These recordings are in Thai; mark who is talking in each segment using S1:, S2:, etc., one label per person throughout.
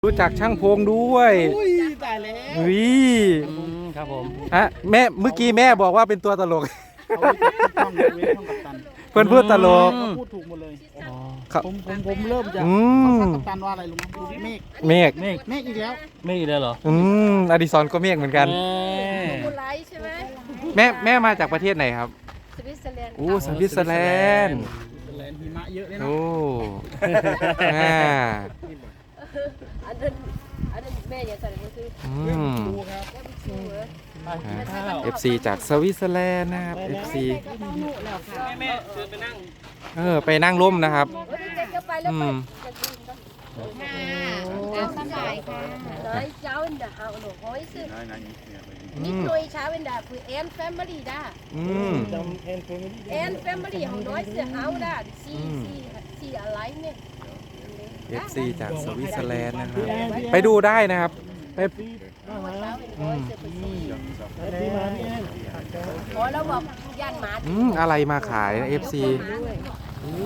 S1: รู้จักช่างพงด้วย
S2: อุ้ยตายแล้ว
S1: วิ
S3: ครับผม
S1: ฮะแม่เมื่อกี้แม่บอกว่าเป็นตัวตลก
S2: เอาไว้จับช่องเว้นช่องกัปตัน
S1: เพื่อนพูดตลก
S2: เขาพูดถูกหมดเลย
S1: ครับ
S2: ผมเริ่มจะ
S1: อืม
S2: เขาทักกัปตันว่าอะไรรู้ไหมเมฆ
S1: เมฆ
S3: เมฆ
S2: เมฆอีกแล้ว
S3: เมฆอีกแล้วเหรอ
S1: อดิศรก็เมฆเหมือนกัน
S4: มูไลท์ใช่ไหม
S1: แม่มาจากประเทศไหนครับ
S4: สวิตเซอร์แลนด์
S1: โอ้สวิตเซอร์แลนด์
S2: เป็นแลนด์หิมะเยอะเลยเนาะ
S1: โอ้อ่า
S4: อันนั้นแม่อย่าใส่เลยคือ
S1: อืม
S2: ดูครับ
S4: แม่ไปชูเหรอ
S3: ข้าว
S1: FC จากสวิตเซอร์แลนด์นะครับ FC
S3: แม่เชิญไปนั่ง
S1: ไปนั่งร่มนะครับ
S4: เฮ้ยเด็กก็ไปแล้วไปจะกินก็
S5: เอาสบายค่ะ
S4: น้อยเจ้าอินดาเอาหนูห้อยซื้อนิดหน่อยเช้าอินดาคือแอนแฟมิลี่ด้า
S1: อืม
S4: แอนแฟมิลี่ของน้อยเสือเอาด้าสี่อะไรเนี่ย
S1: FC จากสวิตเซอร์แลนด์นะครับ ไปดูได้นะครับ ไป
S4: เช้าเป็นน้อยเสือไปสี่
S2: ที่มานี่
S4: พอแล้วบอกย่านหมา
S1: อะไรมาขายนะ FC โอ้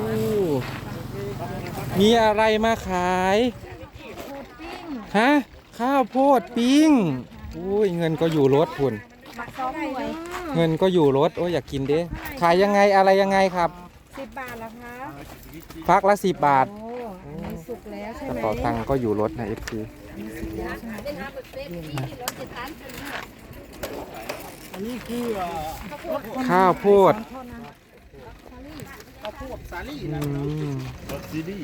S1: มีอะไรมาขายฮะข้าวโพดปิ้งอุ้ยเงินก็อยู่รถคุณ เงินก็อยู่รถโอ้ยอยากกินเด้ขายยังไงอะไรยังไงครับ
S5: 10 บาทเหรอคะ
S1: ฟักละ10 บาท
S5: โอ้อันนี้สุกแล้วใช่
S1: กระ
S5: ไหม
S1: เป๋าตังค์ก็อยู่รถนะ FC
S4: เดินทางไปเป็นที่ที่รถจะตันเป็น
S2: อันนี้คือ
S1: ข้าวโพด
S2: ข้าวโพดสาลี่
S1: อื
S2: นะ
S1: ม
S4: เอา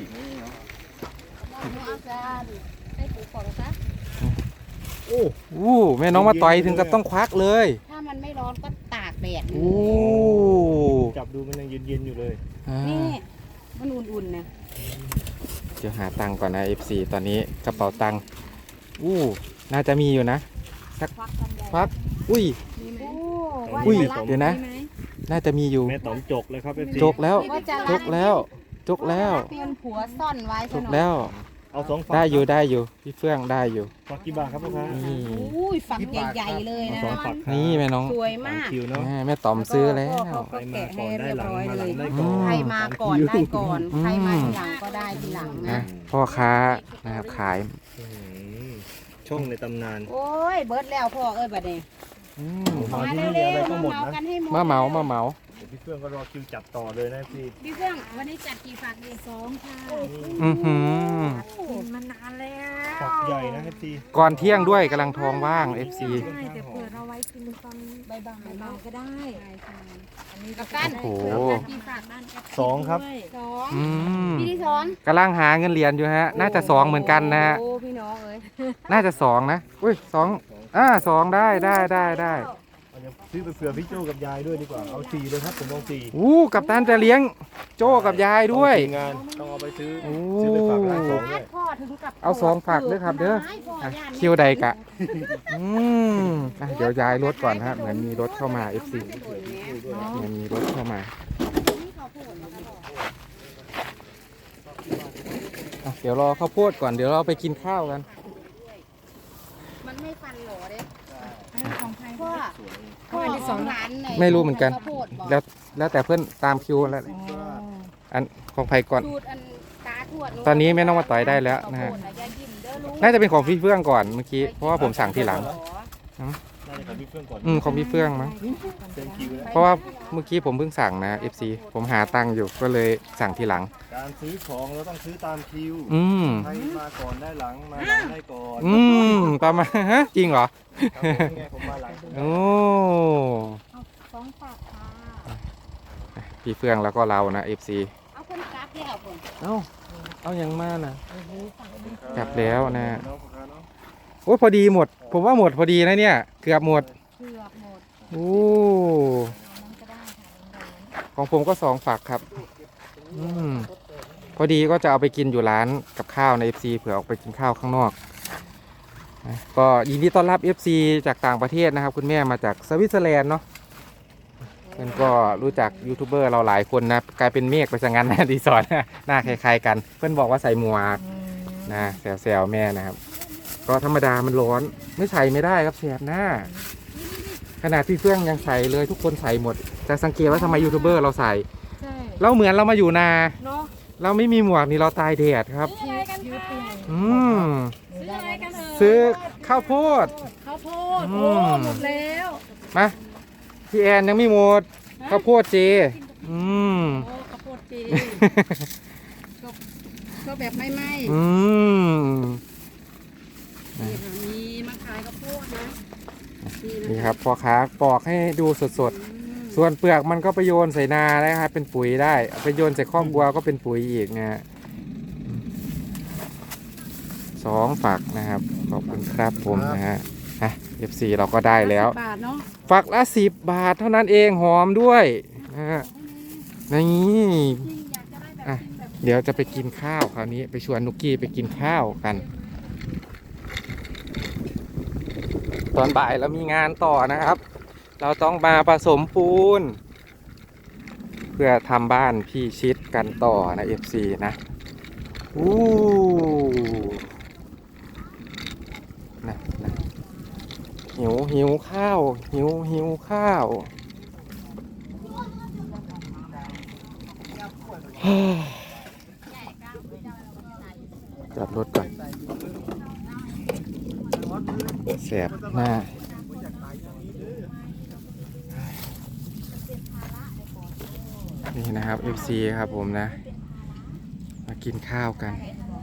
S4: จารย์ให้ผูกของซะ
S1: อู้แม่น้องมาต่อยถึงกับต้องควักเลย
S5: ถ้ามันไม่ร้อนก็ตากแดด
S1: อู้
S3: จับดูมันยังเย็นๆอยู่เลย
S1: อ่า
S5: นี่มันอุ่นๆนะ
S1: เดี๋ยวหาตังค์ก่อนนะ FC ตอนนี้กระเป๋าตังค์อู้น่าจะมีอยู่นะสักควักอุ้ย
S5: โอ้
S1: อุ้ย
S5: ว่าจะรับ
S1: เดี๋ยวนะ
S5: ไหม
S1: น่าจะมีอยู่
S3: แม่ต๋อมจกเลยครับเอฟซี
S1: จกแล้ว
S5: ว่าจะ
S1: จ
S5: รับ
S1: กแล้วจกแล้ว
S5: เงินผัวซ่อนไว้
S1: จ
S5: ซะ
S1: ก
S5: หน่อย
S1: แล้ว
S3: เอา2ฝัก
S1: ได้อยู่พี่เฟื่องได้อยู่
S3: ฝักกี่บาทครับพ่อค้า
S1: นี่
S5: อุ้ยฝักใหญ่ๆเลย
S3: เอา
S5: นะ
S3: 2ฝักครับ
S1: นี่แม่น้อง
S5: สวยมาก
S3: คิวเนาะ
S1: แม่ต๋อมซื้อแล้ว
S5: ก็
S3: ใคร
S5: แกะ
S3: มา
S5: ให้
S3: ก่อนได้
S5: เรียบ
S3: หลัง
S5: ร้อย
S3: มาห
S5: เล
S3: ลัง
S5: ย
S3: ได้ก่อน
S5: ใครมาก่อนได้ก่อน ใครมาทีหลังก็ได้ทีหลัง
S1: นะ
S5: นะ
S1: พ่อค้านะครับขาย
S3: อื้อหือช่องในตำนาน
S5: โอ้ยเบิร์ดแล้วพ่อเอ้ยบัดนี้
S1: อืม
S3: มา
S5: มา
S3: ที่
S5: เร็
S3: นี่
S5: ว
S3: อะไร
S5: ๆ
S3: ก็
S5: มา
S3: หมด
S5: เมา
S3: นะ
S5: กันให้หมด
S1: มาเหมา
S3: เดี๋ยวพี่เฟื่องก็รอคิวจับต่อเลยนะพี่
S5: พี่เฟื่องวันนี้จัดกี่ฝักดี2ค่ะ
S1: อือหือ
S5: กินมานานแล้ว
S3: ฝักใหญ่นะเอฟซี
S1: ก่อนเที่ยงด้วยกำลังท้องว่าง FC
S5: ใช่แต่เปิดเอาไว้กินตอนบ่ายๆก็ได้อันนี้กับกัน
S1: โอ้โห
S5: กี่ฝากบ้านกับ
S3: 2ครับ
S5: สอง
S1: อืม
S5: พี่ที่สอน
S1: กำลังหาเงินเหรียญอยู่ฮะ น่าจะ2เหมือนกันนะฮะ
S5: โอ้พี่น้องเอ้ย
S1: น่าจะ2นะอุ้ย2ได้
S3: เอาเดี๋ยวซื้อไปเผื่อพี่โจกับยายด้วยดีกว่าเอา4เลยครับผมเอา4
S1: อู้กับตันจะเลี้ยงโจ้กับยายด้วย
S3: ต้องงานต้องเอาไปซื้อ
S1: โอ้
S3: ซื้อไปฝากร้าน2ด้วย
S5: พ่อถึงกับ
S1: เอา2ฝากด้วยครับเด้ออ่ะคิวใดกะอืมอ่ะเดี๋ยวย้ายรถก่อนฮะเหมือนมีรถเข้ามา FC เหมือนมีรถเข้ามาอ่ะเดี๋ยวรอข้าวโพดก่อนเดี๋ยวเราไปกินข้าวกัน
S5: มันไม่ฟันหรอเด้
S4: ของใคร
S5: พ่อของร้านไหน
S1: ไม่รู้เหมือนกัน
S5: ข้าวโพดบอก
S1: แล้วแต่เพื่อนตามคิวแล้วอันของไผ่ก่อน
S5: สูตรอันตาทวด
S1: ตอนนี้แม่น้องมาต่อยได้แล้วนะฮะ
S5: ข้าวโพดอย่ายิ้มเด้อลูก
S1: น่าจะเป็นของพี่เฟื่องก่อนเมื่อกี้เพราะว่าผมสั่งทีหลัง
S3: น่าจะกับพี่เฟื่องก่อน
S1: ของพี่เฟื่องมั้ง
S3: เซ็นคิวแล้ว
S1: เพราะว่าเมื่อกี้ผมเพิ่งสั่งนะ FC ผมหาตังค์อยู่ก็เลยสั่งทีหลัง
S3: การซื้อของเราต้องซื้อตามคิว
S1: อืม
S3: ใครมาก่อนได้หลังมาหลังได้ก่อน
S1: อืมประมาณฮะจริงเหรอ
S3: ครับผมไงผมมาหลัง
S1: โอ้
S5: 2ฝากค่ะ
S1: พี่เฟื่องแล้วก็เรานะ FC
S5: เอาคนกราฟที่เอาคน
S1: เอาอย่างมากนะกลับแล้วนะ
S3: น้องพ่อค้าเนาะ
S1: โอ้ยพอดีหมด ผมว่าหมดพอดีนะเนี่ยเกือบหมด
S5: เผือกหมด
S1: โอ้
S5: มันก็ได้ค่ะ
S1: ของผมก็2ฝักครับอืมพอดีก็จะเอาไปกินอยู่ร้านกับข้าวใน FC เผื่อออกไปกินข้าวข้างนอกนะก็ยินดีต้อนรับ FC จากต่างประเทศนะครับ คุณแม่มาจากสวิตเซอร์แลนด์เนาะเพื่อนก็รู้จักยูทูบเบอร์เราหลายคนนะกลายเป็นเมฆไปซะงั้นนะดีสอนหน้าคล้ายๆกัน เพื่อนบอกว่าใส่หมวกนะแซวๆแม่นะครับ ก็ธรรมดามันร้อนไม่ใส่ไม่ได้ครับแสบหน้า ขนาดพี่เฟื่องยังใส่เลยทุกคนใส่หมดแต่สังเกตว่าทำไมยูทูบเบอร์เราใส่
S5: ใช่
S1: เราเหมือนเรามาอยู่นา
S5: เนาะ
S1: เราไม่มีหมวกนี่เราตายแดดครับ
S5: ยืดไป
S1: อืม
S5: ได้
S1: ซื้อข้าวโพด
S5: ข้าวโพด
S1: อื
S5: โอ้
S1: ม
S5: หมดแล้ว
S1: มาพี่แอนยังไม่หมดข้าวโพดเจอืม
S5: โอ้ข้าวโพดจีก็แบบไม่ไหม้
S1: อืม
S5: นี่ค่ะมีมาขายข้าวโพดนะนี่นะ
S1: นี่ครับพ่อค้าปอกให้ดูสดๆ ส่วนเปลือกมันก็ไปโยนใส่นาได้ครับเป็นปุ๋ยได้เอาไปโยนใส่ข้อกบัวก็เป็นปุ๋ยอีกนะฮะ2 ฝักนะครับขอบคุณครับผมนะฮะFC เราก็ได้แล้ว
S5: บาทเนาะ
S1: ฝักละ10 บาทเท่านั้นเองหอมด้วยนะฮะนี่อ่ะเดี๋ยวจะไปกินข้าวคราวนี้ไปชวนนุกกี้ไปกินข้าวกัน ตอนบ่ายเรามีงานต่อนะครับ เราต้องมาผสมปูน เพื่อทำบ้านพี่ชิดกันต่อนะ FC นะอู้นะหิวข้าวหิวข้าว จอดรถก่อนแสบหน้านี่นะครับ FC ครับผมนะ มากินข้าวกัน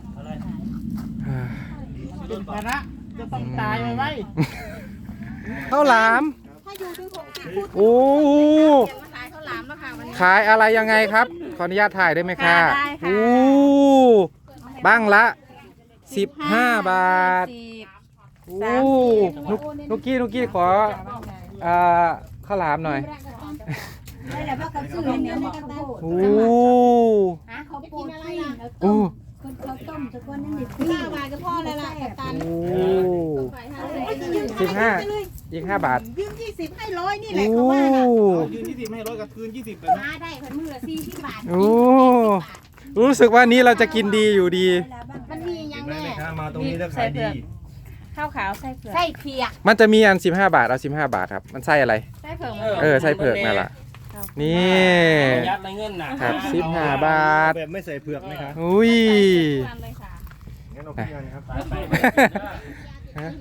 S2: เป็นภาระจะต้องตายไว้
S1: ข้าวหลาม
S5: ถ้าอยู่ถึง60 ฟุต
S1: โอ้
S5: เก็บมาขายข้าวหลามแล้วค่ะวันนี้
S1: ขายอะไรยังไงครับ ขออนุญาตถ่ายได้ไหมคะ
S5: ได้ค่ะ
S1: โอ้บ้างละ 15 บาท โอ้นุกกี้ขอข้าวหลามหน่อย
S5: ได้แล้วก็กระสือเนี่ยในกระตา
S1: โอ้
S5: เขาปูนปิ้งแล้ว
S1: โอ้
S5: คนเขาต้มทุกคนนั่นนี่5 บาทก็พอแล้วล่ะกับตัน
S1: โอ้
S5: ขาย5
S1: 15อีก5 บาท
S5: ยืม20ให้100นี่แห
S1: โอ้
S5: ละเขาว่าน่ะ
S2: ยืน20ให้100กับคืน20เลยนะ
S5: หาได้คนมือละ40 บาท
S1: โอ้รู้สึกว่านี้เราจะกินดีอยู่ดี
S5: มันมีอย่าง
S3: แม่
S5: แน่
S3: ค้ามาตรงนี้แล้วขายดี
S6: ข้าวขาวไส้เผือก
S5: ไส้เผือก
S1: มันจะมีอัน15 บาทเอา15 บาทครับ มันไส้อะไร
S6: ไส้เผือก
S1: ไส้เผือกนั่นแหละนี่
S2: ยัดในเงินน่ะ
S1: ครับ15 บาท
S3: แบบไม่ใส่เผือกไหมคะ
S1: อุ้ย
S6: ทานเลยค่ะ
S3: งั้นเราพี่งานครับ
S1: ฮะ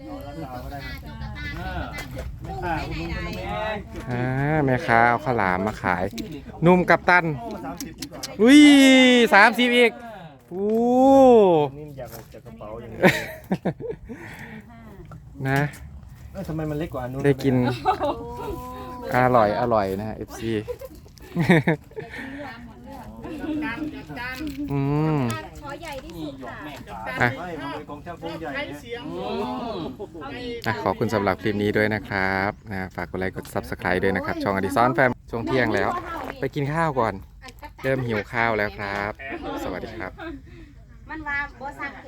S2: ไม่ขาดคุณลุงเป็นแม่
S1: แม่ค้าเอาข้าวหลามมาขายหนุ่มกับตัน
S3: 30ดีกว่า
S1: อุ้ย30อีกโอ้
S3: นี่อยากออกจากกระเป๋าอย่างนี้
S1: นะ
S3: ทำไมมันเล็กกว่าอันนู้น
S1: ได้กินอร่อยนะฮะ FC อืม
S5: ขอใหญ่ที่สุดค่ะ
S1: อ่ะ
S3: ไม่มันเป็นของช่างพงใหญ่
S2: ใช้
S3: เนี่ย
S2: เสียง
S1: ขอบคุณสำหรับคลิปนี้ด้วยนะครับฝากกดไลค์กด Subscribe ด้วยนะครับ ช่องอดิซอนแฟมช่วงเที่ยงแล้ว ไปกินข้าวก่อน เริ่มหิวข้าวแล้วครับ สวัสดีครับ
S5: มันว่าบ่ซัก